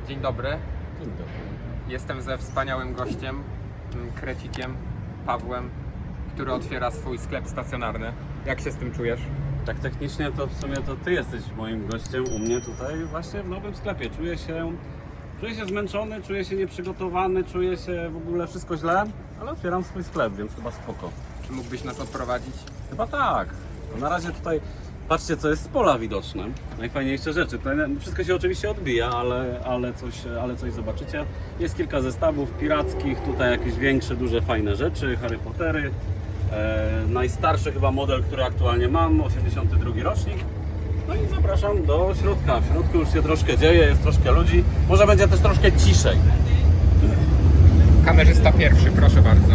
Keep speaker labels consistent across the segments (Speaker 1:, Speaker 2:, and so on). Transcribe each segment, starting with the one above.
Speaker 1: Dzień dobry.
Speaker 2: Dzień dobry.
Speaker 1: Jestem ze wspaniałym gościem, Krecikiem, Pawłem, który otwiera swój sklep stacjonarny. Jak się z tym czujesz?
Speaker 2: Tak technicznie to w sumie to ty jesteś moim gościem u mnie tutaj właśnie w nowym sklepie. Czuję się zmęczony, czuję się nieprzygotowany, czuję się w ogóle wszystko źle, ale otwieram swój sklep, więc chyba spoko.
Speaker 1: Czy mógłbyś nas odprowadzić?
Speaker 2: Chyba tak. No na razie tutaj patrzcie, co jest z pola widoczne. Najfajniejsze rzeczy. Tutaj wszystko się oczywiście odbija, ale coś zobaczycie. Jest kilka zestawów pirackich, tutaj jakieś większe, duże, fajne rzeczy, Harry Pottery. Najstarszy chyba model, który aktualnie mam, 82 rocznik. No i zapraszam do środka. W środku już się troszkę dzieje, jest troszkę ludzi. Może będzie też troszkę ciszej.
Speaker 1: Kamerzysta pierwszy, proszę bardzo.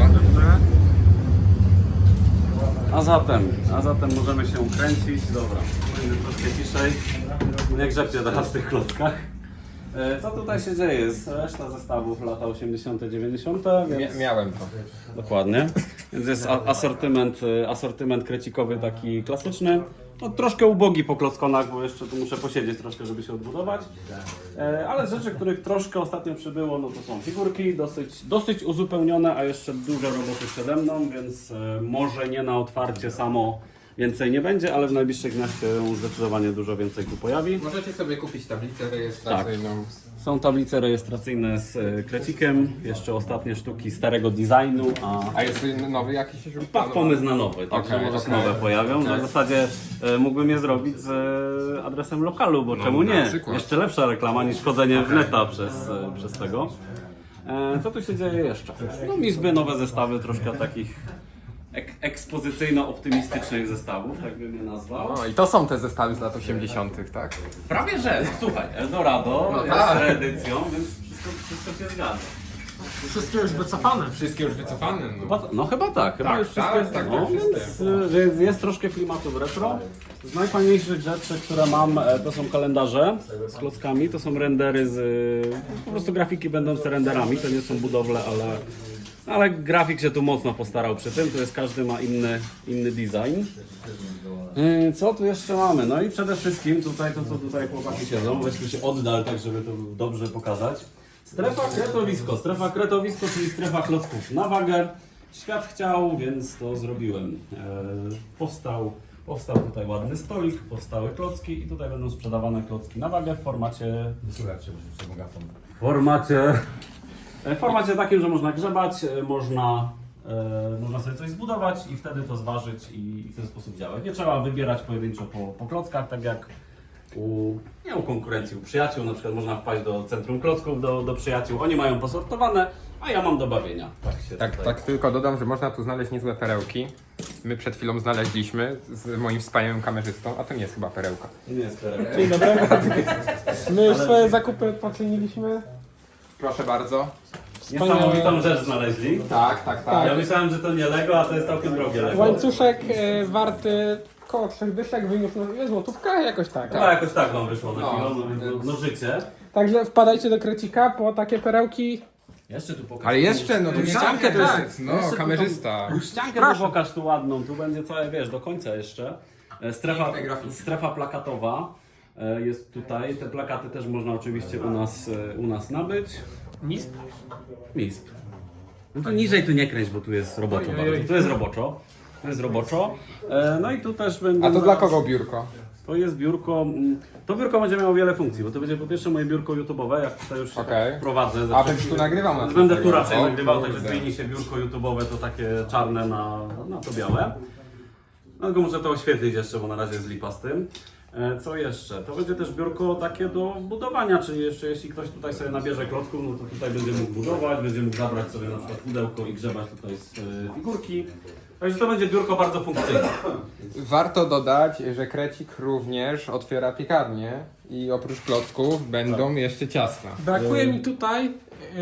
Speaker 2: A zatem możemy się kręcić. Dobra, będzie troszkę ciszej. Nie grzebcie teraz w tych klockach. Co tutaj się dzieje? Jest reszta zestawów lata 80., 90., więc...
Speaker 1: Miałem to.
Speaker 2: Dokładnie. Więc jest asortyment krecikowy taki klasyczny. No, troszkę ubogi po klockonach, bo jeszcze tu muszę posiedzieć troszkę, żeby się odbudować. Ale rzeczy, których troszkę ostatnio przybyło, no to są figurki, dosyć uzupełnione, a jeszcze dużo roboty przede mną, więc może nie na otwarcie samo więcej nie będzie, ale w najbliższych dniach się zdecydowanie dużo więcej tu pojawi.
Speaker 1: Możecie sobie kupić tablicę rejestracyjną.
Speaker 2: Są tablice rejestracyjne z krecikiem, jeszcze ostatnie sztuki starego designu,
Speaker 1: A jest nowy jakiś już?
Speaker 2: pomysł na nowy, także
Speaker 1: Okej,
Speaker 2: może się
Speaker 1: okej.
Speaker 2: nowe pojawią. W zasadzie mógłbym je zrobić z adresem lokalu, bo czemu
Speaker 1: na
Speaker 2: nie?
Speaker 1: przykład.
Speaker 2: Jeszcze lepsza reklama niż wchodzenie w neta przez tego. Co tu się dzieje jeszcze? No izby, nowe zestawy, troszkę takich ekspozycyjno-optymistycznych zestawów, tak bym je nazwał.
Speaker 1: No i to są te zestawy z lat 80., tak?
Speaker 2: Prawie że, słuchaj, Eldorado
Speaker 1: No
Speaker 2: jest
Speaker 1: tak.
Speaker 2: reedycją, więc wszystko się zgadza.
Speaker 3: Wszystkie już wycofane.
Speaker 1: Wszystkie już wycofane. No.
Speaker 2: No chyba tak, chyba
Speaker 1: Tak,
Speaker 2: już wszystko
Speaker 1: tak,
Speaker 2: jest
Speaker 1: tak,
Speaker 2: no,
Speaker 1: wszystkie.
Speaker 2: więc jest troszkę klimatu w retro. Z najfajniejszych rzeczy, które mam, to są kalendarze z klockami, to są rendery po prostu grafiki będące renderami, to nie są budowle, ale grafik się tu mocno postarał przy tym, to jest każdy ma inny design. Co tu jeszcze mamy? No i przede wszystkim tutaj to, co tutaj chłopaki siedzą, weźmy się oddal, tak żeby to dobrze pokazać. Strefa kretowisko, czyli strefa klocków na wagę. Świat chciał, więc to zrobiłem. Powstał tutaj ładny stolik, powstały klocki i tutaj będą sprzedawane klocki na wagę w formacie... W formacie takim, że można grzebać, można sobie coś zbudować i wtedy to zważyć i w ten sposób działać. Nie trzeba wybierać pojedynczo po klockach, tak jak nie u konkurencji, u przyjaciół. Na przykład można wpaść do centrum klocków, do przyjaciół. Oni mają posortowane, a ja mam do bawienia.
Speaker 1: Tak, tylko dodam, że można tu znaleźć niezłe perełki. My przed chwilą znaleźliśmy z moim wspaniałym kamerzystą, a to nie jest chyba perełka.
Speaker 2: Nie jest perełka.
Speaker 3: Dzień dobry. My już swoje zakupy poczyniliśmy.
Speaker 1: Proszę bardzo.
Speaker 2: Niesamowitą rzecz znaleźli.
Speaker 1: Tak.
Speaker 2: Ja myślałem, że to nie Lego, a to jest całkiem drogie Lego.
Speaker 3: Łańcuszek warty koło 3 dyszek, wyniósł złotówka, jakoś tak.
Speaker 2: Chyba jakoś tak wam wyszło na chwilę, no życie.
Speaker 3: Także wpadajcie do Krecika po takie perełki.
Speaker 2: Jeszcze tu pokaż.
Speaker 1: Ale jeszcze, no tu ściankę to
Speaker 3: tak.
Speaker 1: jest, no
Speaker 2: Jeszcze tu
Speaker 1: kamerzysta.
Speaker 2: Ściankę tu pokaż tu ładną, tu będzie całe, wiesz, do końca jeszcze.
Speaker 1: Piękne grafiki.
Speaker 2: Strefa plakatowa jest tutaj. Te plakaty też można oczywiście u nas nabyć.
Speaker 3: MISP.
Speaker 2: MISP. No to niżej tu nie kręć, bo tu jest roboczo bardzo. Tu jest roboczo. No i tu też będą...
Speaker 1: A to dla kogo biurko?
Speaker 2: To jest biurko. To biurko będzie miało wiele funkcji, bo to będzie po pierwsze moje biurko YouTube'owe, jak tutaj już się
Speaker 1: Okej.
Speaker 2: tak prowadzę.
Speaker 1: A będziesz tu nagrywał na
Speaker 2: Będę
Speaker 1: tego?
Speaker 2: tu raczej
Speaker 1: O
Speaker 2: nagrywał, także
Speaker 1: kurde.
Speaker 2: zmieni się biurko YouTube'owe, to takie czarne na to białe. No tylko muszę to oświetlić jeszcze, bo na razie jest lipa z tym. Co jeszcze? To będzie też biurko takie do budowania, czyli jeszcze jeśli ktoś tutaj sobie nabierze klocków, no to tutaj będzie mógł budować, będzie mógł zabrać sobie na przykład pudełko i grzebać tutaj z figurki. Także to będzie biurko bardzo funkcyjne.
Speaker 1: Warto dodać, że Krecik również otwiera piekarnię i oprócz klocków będą jeszcze ciasta.
Speaker 3: Brakuje mi tutaj...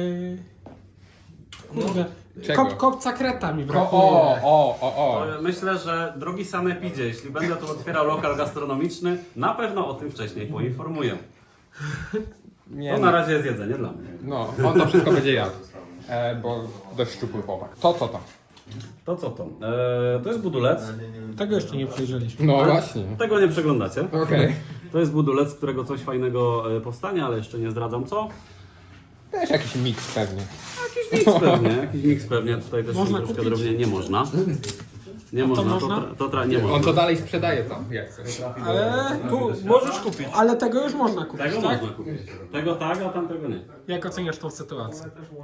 Speaker 3: Kurde.
Speaker 1: Czego?
Speaker 3: Kopca kreta mi brakuje.
Speaker 1: O.
Speaker 2: Myślę, że drogi sanepidzie, jeśli będę tu otwierał lokal gastronomiczny, na pewno o tym wcześniej poinformuję.
Speaker 1: Nie,
Speaker 2: To na razie jest jedzenie dla mnie.
Speaker 1: no, on to wszystko będzie jadł, bo dość szczupły chłopak. To co to?
Speaker 2: To co to? To jest budulec.
Speaker 3: Tego jeszcze nie przejrzeliśmy.
Speaker 1: No właśnie.
Speaker 2: Tego nie przeglądacie.
Speaker 1: Okej.
Speaker 2: To jest budulec, z którego coś fajnego powstanie, ale jeszcze nie zdradzam co.
Speaker 1: Też jakiś miks pewnie.
Speaker 2: Jakiś miks pewnie. Tutaj też
Speaker 3: Można
Speaker 2: są troszkę
Speaker 3: kupić?
Speaker 2: drobnie. Nie można. Nie można,
Speaker 3: można?
Speaker 2: nie
Speaker 1: On
Speaker 2: można.
Speaker 1: to dalej sprzedaje tam, jak chcesz.
Speaker 3: Ale
Speaker 4: Tu możesz kupić.
Speaker 3: Ale tego już można kupić,
Speaker 2: Tego
Speaker 3: tak?
Speaker 2: można kupić. Tego tak, a tamtego nie.
Speaker 3: Jak oceniasz tą sytuację?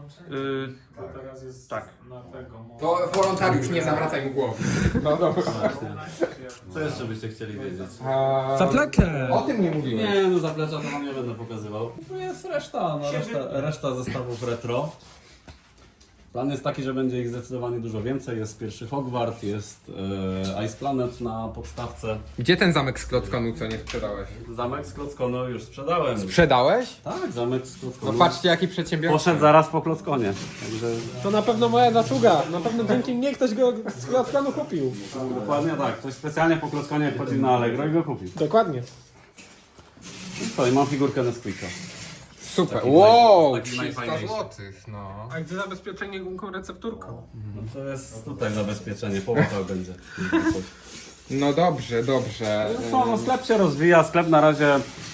Speaker 4: Tak.
Speaker 1: To wolontariusz, nie zawracaj mu głowy. No dobra.
Speaker 2: Co jeszcze byście chcieli wiedzieć?
Speaker 4: Zaplekę!
Speaker 1: O tym nie mówiłem.
Speaker 2: Nie, no zaplecza to wam nie będę pokazywał. Tu jest reszta, reszta zestawów retro. Plan jest taki, że będzie ich zdecydowanie dużo więcej. Jest pierwszy Hogwart, jest Ice Planet na podstawce.
Speaker 1: Gdzie ten zamek z Klockonu, co nie sprzedałeś?
Speaker 2: Zamek z Klockonu już sprzedałem.
Speaker 1: Sprzedałeś?
Speaker 2: Tak, zamek z
Speaker 1: No
Speaker 2: Klockonu.
Speaker 1: patrzcie jaki przedsiębiorca.
Speaker 2: Poszedł zaraz po Klockonie. Także
Speaker 3: To na pewno moja zasługa. Na pewno dzięki mnie ktoś go z Klockonu kupił.
Speaker 2: dokładnie tak. Ktoś specjalnie po Klockonie wchodził na Allegro i go kupił.
Speaker 3: Dokładnie.
Speaker 2: Co, i mam figurkę Nesquika.
Speaker 1: Super.
Speaker 2: Taki
Speaker 1: Wow,
Speaker 2: taki
Speaker 1: 300
Speaker 2: najfajniejszy.
Speaker 1: złotych, no.
Speaker 3: A gdzie zabezpieczenie gumką recepturką?
Speaker 2: No to jest tutaj zabezpieczenie, połapał będzie.
Speaker 1: No dobrze, dobrze.
Speaker 2: No, sklep się rozwija, sklep na razie,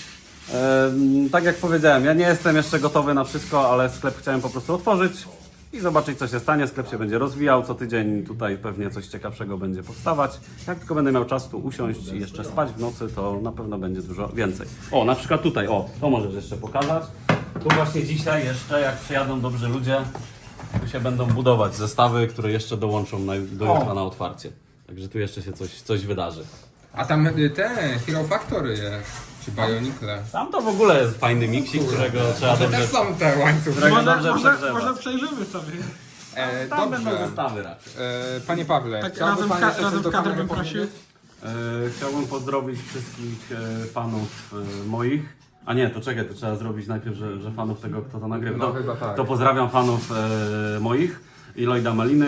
Speaker 2: tak jak powiedziałem, ja nie jestem jeszcze gotowy na wszystko, ale sklep chciałem po prostu otworzyć i zobaczyć co się stanie. Sklep się będzie rozwijał, co tydzień tutaj pewnie coś ciekawszego będzie powstawać. Jak tylko będę miał czas tu usiąść i jeszcze spać w nocy, to na pewno będzie dużo więcej. O, na przykład tutaj, o, to możesz jeszcze pokazać. Tu właśnie dzisiaj jeszcze, jak przyjadą dobrzy ludzie, tu się będą budować zestawy, które jeszcze dołączą do jutra na otwarcie. Także tu jeszcze się coś wydarzy.
Speaker 1: A tam te Hero Factory jest, czy Bionicle.
Speaker 2: Tam to w ogóle jest fajny miksik, którego trzeba
Speaker 1: To
Speaker 2: dobrze...
Speaker 1: też są te łańcuchy.
Speaker 2: Którego dobrze
Speaker 3: może
Speaker 2: przegrzewać.
Speaker 3: przejrzymy sobie.
Speaker 2: Tam będą
Speaker 1: Dobrze.
Speaker 2: zestawy raczej.
Speaker 1: Panie Pawle,
Speaker 3: Tak
Speaker 1: chciałby
Speaker 3: razem,
Speaker 1: pan jeszcze coś
Speaker 3: razem
Speaker 1: do
Speaker 3: w kadrę
Speaker 1: kamery
Speaker 3: bym prosił.
Speaker 1: powiedzieć?
Speaker 2: Chciałbym pozdrowić wszystkich fanów moich. A nie, to czekaj, to trzeba zrobić najpierw, że fanów tego, kto to nagrywa.
Speaker 1: No
Speaker 2: To,
Speaker 1: chyba tak.
Speaker 2: to pozdrawiam fanów moich i Lloyda Maliny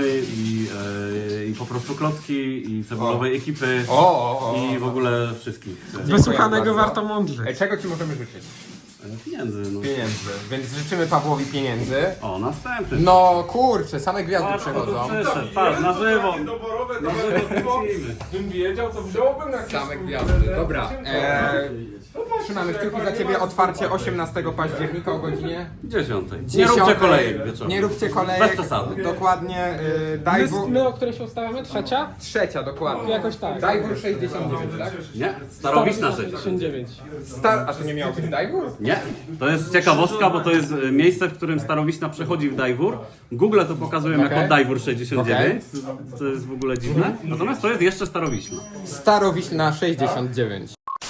Speaker 2: i po prostu Klocki i cebulowej ekipy i w ogóle wszystkich.
Speaker 3: Wysłuchanego
Speaker 1: bardzo.
Speaker 3: warto mądrzeć.
Speaker 1: Ej, czego ci możemy życzyć?
Speaker 2: Pieniędzy. No.
Speaker 1: Pieniędzy. Więc życzymy Pawłowi pieniędzy.
Speaker 2: O, następny.
Speaker 1: No kurczę, same gwiazdy
Speaker 2: Patrz, kto tu
Speaker 1: przechodzą.
Speaker 2: przyszedł, patrz, na żywo.
Speaker 4: Doborowe,
Speaker 2: Na żywo kręcimy.
Speaker 4: bym wiedział, to wziąłbym na
Speaker 1: Same gwiazdy. Dobra. Trzymamy kciuki za ciebie. Otwarcie 18 października o godzinie
Speaker 2: 10. Nie róbcie kolejek wieczorem.
Speaker 1: Nie róbcie kolejek.
Speaker 2: Bez przesady.
Speaker 1: Dokładnie. Dajwór.
Speaker 3: My, o której się ustawiamy? Trzecia?
Speaker 1: Trzecia, dokładnie.
Speaker 3: Jakoś tak.
Speaker 1: Dajwór 69, tak?
Speaker 2: Nie? Starowiczna 6.
Speaker 3: 69.
Speaker 1: A to nie miało być Dajwór?
Speaker 2: Nie, to jest ciekawostka, bo to jest miejsce, w którym Starowiśna przechodzi w Dajwór. Google to pokazują
Speaker 1: Okej.
Speaker 2: jako Dajwór 69, co jest w ogóle dziwne. Natomiast to jest jeszcze Starowiśna.
Speaker 1: Starowiśna 69.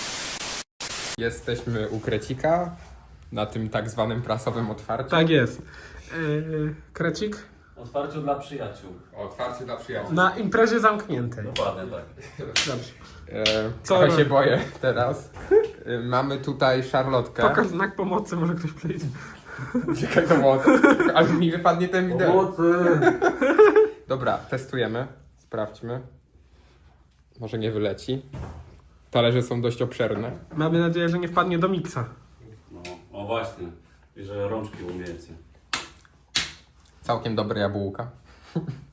Speaker 1: Jesteśmy u Krecika na tym tak zwanym prasowym otwarciu.
Speaker 3: Tak jest. Krecik?
Speaker 2: Otwarciu dla przyjaciół.
Speaker 1: Otwarcie dla przyjaciół.
Speaker 3: Na imprezie zamkniętej.
Speaker 2: Dokładnie tak.
Speaker 3: Dobrze.
Speaker 1: Trochę
Speaker 3: Co?
Speaker 1: się boję teraz. Mamy tutaj szarlotkę.
Speaker 3: Pokaż znak pomocy, może ktoś przyjdzie.
Speaker 1: Czekaj, to było. Ale mi wypadnie ten wideo.
Speaker 2: Pomocy!
Speaker 1: Dobra, testujemy. Sprawdźmy. Może nie wyleci. Talerze są dość obszerne.
Speaker 3: Mamy nadzieję, że nie wpadnie do miksa.
Speaker 2: No, o właśnie. I że rączki umiejecie.
Speaker 1: Całkiem dobre jabłka.